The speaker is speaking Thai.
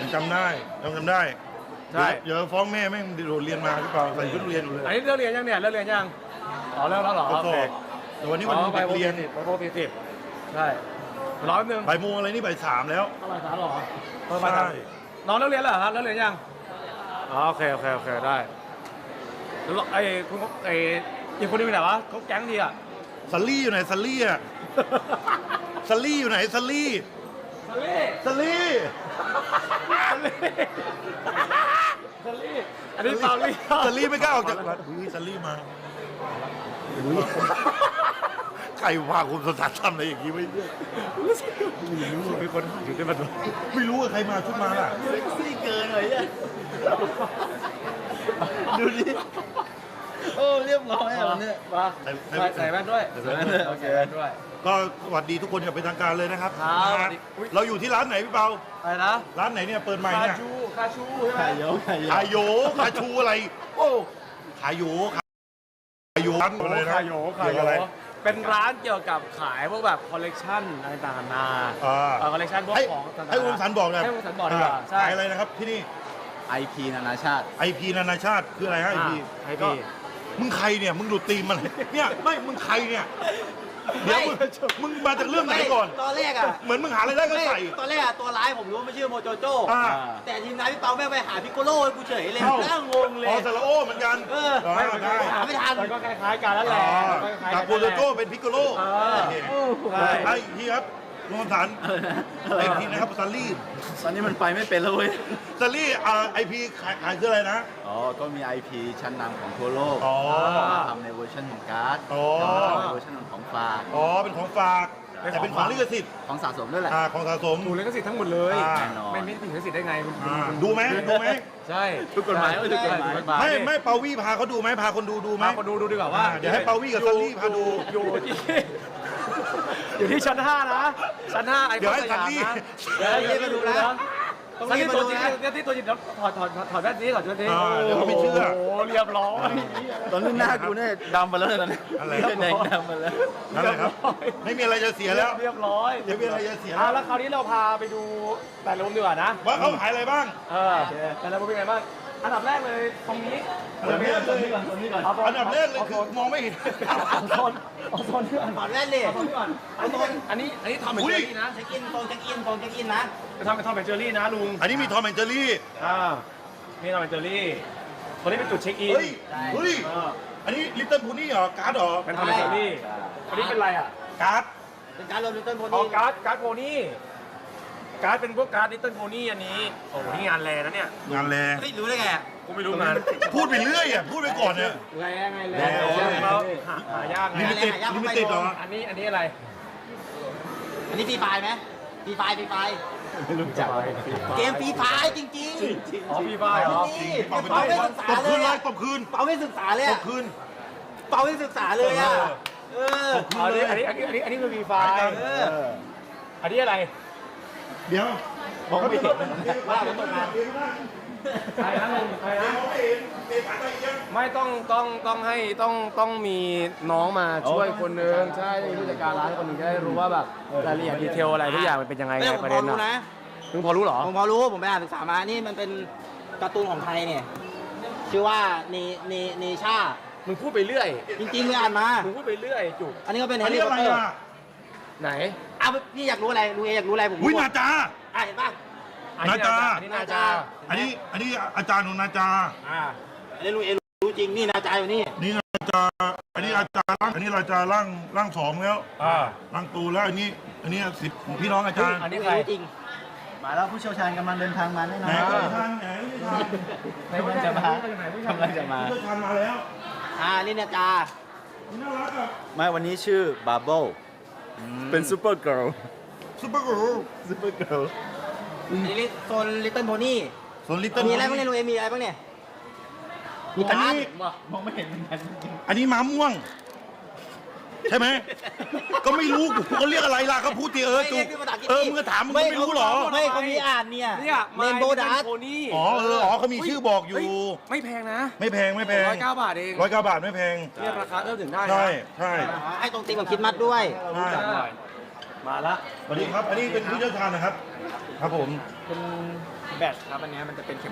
จำได้ใช่เดี๋ยวฟ้องแม่แม่งโดดเรียนมาหรือเปล่าใส่ชุดเรียนอยู่เลยอันนี้เลิกเรียนยังเนี่ยเลิกเรียนยังอ๋อเลิกแล้วเหรอโอเคแต่วันนี้วันไปเรียนไปโปรตี10ใช่รอแป๊บนึงบ่ายโมงอะไรนี่บ่าย3แล้วบ่าย3หรอใช่น้องเลิกเรียนเหรอครับเลิกเรียนยังอ๋อโอเคได้แล้วไอ้คุณไอ้อีกคนนึงไปไหนวะเขาแก๊งดีอ่ะซัลลี่อยู่ไหนซัลลี่อ่ะซัลลี่อยู่ไหนซัลลี่อันนี้เปล่าลี่ซัลลี่ไม่กล้าออกจากซัลลี่มาใครว่าคุณสถานทำอะไรอย่างนี้ไม่รู้มีคนอยู่ที่มันไม่รู้ว่าใครมาชุดมาล่ะเซ็กซี่เกินเลยอ่ะดูดิโอ้เรียบร้อยอ่ะวันนี้มาใส่แว่นด้วยโอเคด้วยก็สวัสดีทุกคนอย่างเป็นทางการเลยนะครับเราอยู่ที่ร้านไหนพี่เปาอะไรนะร้านไหนเนี่ยเปิดใหม่เนี่ยคาชูใช่ไหมคาชูอะไรโอ้คาโยร้านอะไรนะคาโยอะไรเป็นร้านเกี่ยวกับขายพวกแบบคอลเลกชันอะไรต่างๆนาคอลเลกชันพวกของให้วงสันบอกเลยให้วงสันบอกดีกว่าขายอะไรนะครับที่นี่ IP นานาชาติ IP นานาชาติคืออะไรฮะ IP มึงใครเนี่ยมึงดูตีมมันเนี่ยไม่มึงใครเนี่ยเดี๋ยวมึงมาจากเรื่องไหนก่อนตอนแรกอ่ะเหมือนมึงหาอะไรได้ก็ใส่ตอนแรกอ่ะตัวร้ายผมรู้ว่าไม่ชื่อโมโจโจ้แต่ทีมงานพี่เปาแม่ไปหาพิกโกโล่กูเฉยเลยนั่งงงเลยอ๋อซาลาโอเหมือนกันไม่ทันมันก็คล้ายๆกันแล้วแหละกับโมโจโจ้เป็นพิกโกโล่ไอ้พี่ครับโรงสารไอพีนะครับซัลลี่ตอนนี้มันไปไม่เป็นแล้วเว้ยซัลลี่ไอพีขายคืออะไรนะก็มี IP ชั้นนำของทั่วโลกทำในเวอร์ชันของการ์ดในเวอร์ชันของฝากเป็นของฝากแต่เป็นของลิขสิทธิ์ของสะสมด้วยแหละของสะสมถูกลิขสิทธิ์ทั้งหมดเลยไม่ถึงลิขสิทธิ์ได้ไงดูไหมใช่ทุกกฎหมายไม่เปาวี่พาเขาดูไหมพาคนดูไหมพาคนดูดีกว่าว่าเดี๋ยวให้เปาวี่กับซัลลี่พาดูอยู่ที่ชั้น5นะชั้น5ไอ้เดี๋ยวให้ซัลลี่เดี๋ยวมาดูนะซัลลี่ตัวจริงที่ตัวจริงถอดแว่นนี้ก่อนเดี๋ยวเขาไม่เชื่อโอ้เรียบร้อยตอนนี้หน้ากูเนี่ยดำไปแล้วตอนนี้อะไรแดงดำไปแล้วนั่นแหละครับไม่มีอะไรจะเสียแล้วเรียบร้อยไม่มีอะไรจะเสียแล้วคราวนี้เราพาไปดูแต่ละมุมดีกว่านะว่าเขาขายอะไรบ้างแต่ละมุมเป็นไงบ้างอันดับแรกเลยตรงนี้อันดับแรกเลยคือมองไม่เห็นโซนที่ถอดแว่นเลยอันนี้ทอมแอนเจอรี่นะเช็คอินโซนเช็คอินนะไปทำเป็นทอมแอนเจอรี่นะลุงอันนี้มีทอมแอนเจอรี่นี่ทอมแอนเจอรี่ตัวนี้เป็นจุดเช็คอินเฮ้ยอันนี้ลิตเติ้ลพูนี่เหรอการ์ดเหรอเป็นทอมแอนเจอรี่อันนี้เป็นอะไรอ่ะการ์ดเป็นการ์ดลิตเติ้ลโพนี่การ์ดโพนี่การ์ดเป็นพวกการ์ดลิตเติ้ลโพนี่อันนี้โอ้นี่งานแรงนะเนี่ยงานแรงไม่รู้ได้ไงกูไม่รู้งานพูดไปเรื่อยพูดไปก่อนเนี่ยแรงหายากลิมิเต็ดเหรออันนี้อะไรอันนี้ฟรีไฟไหมฟรีไฟไม่รู้จักเกมฟรีไฟจริงอ๋อฟรีไฟเหรอเปาไม่ศึกษาเลยตบคืนเปาไม่ศึกษาเลยตบคืนเปาไม่ศึกษาเลยอ่ะอันนี้คือฟรีไฟอันนี้อะไรเดี๋ยวบอกไม่เห็นว่าผมตกงานใครนะไม่ต้องให้ต้องมีน้องมาช่วยคนนึงใช่ผู้จัดการร้านคนนึงจะได้รู้ว่าแบบรายละเอียดดีเทลอะไรทุกอย่างมันเป็นยังไงประเด็นนะมึงพอรู้เหรอผมพอรู้ผมไปอ่านศึกษามานี่มันเป็นการ์ตูนของไทยเนี่ยชื่อว่าเนชามึงพูดไปเรื่อยจริงๆเลยอ่านมามึงพูดไปเรื่อยจุกอันนี้ก็เป็นแฮร์รี่พอตเตอร์ไหนพี่อยากรู้อะไรลุงเออยากรู้อะไรผมอุ้ยนาจาเห็นป่ะนาจาอันนี้นาจาอันนี้อาจารย์ของนาจาอันนี้ลุงเอรู้จริงนี่นาจาอยู่นี่นาจาอันนี้อาจารย์อันนี้นาจาร่าง2แล้วร่างตูแล้วอันนี้10พี่น้องอาจารย์อันนี้ใครจริงมาแล้วผู้เชี่ยวชาญกำลังเดินทางมาแน่นอนไหนจะมาผู้เชี่ยวชาญมาแล้วนี่นาจาน่ารักอ่ะไม่วันนี้ชื่อบาร์เบิลเป็นซูเปอร์เกิร์ลนี่โซนลิตเติ้ลโพนี่มีอะไรบ้างเนี่ยลุงเอมีอะไรบ้างเนี่ยมีการ์ดมองไม่เห็นเหมือนกันอันนี้ม้าม่วงใช่ไหมก็ไม่รู้เขาเรียกอะไรล่ะเขาพูดทีจุกมึงก็ถามมึงไม่รู้หรอไม่เขามีอ่านเนี่ยเรนโบว์ดัสอ๋อเขามีชื่อบอกอยู่ไม่แพงนะไม่แพง 109 บาทเอง 109 บาทไม่แพงเทียบราคาเริ่มถึงได้ใช่ให้ตรงตีมกับคิดมัดด้วยมาละสวัสดีครับอันนี้เป็นผู้เชี่ยวชาญนะครับครับผมเป็นแบตครับอันนี้มันจะเป็นเข็ม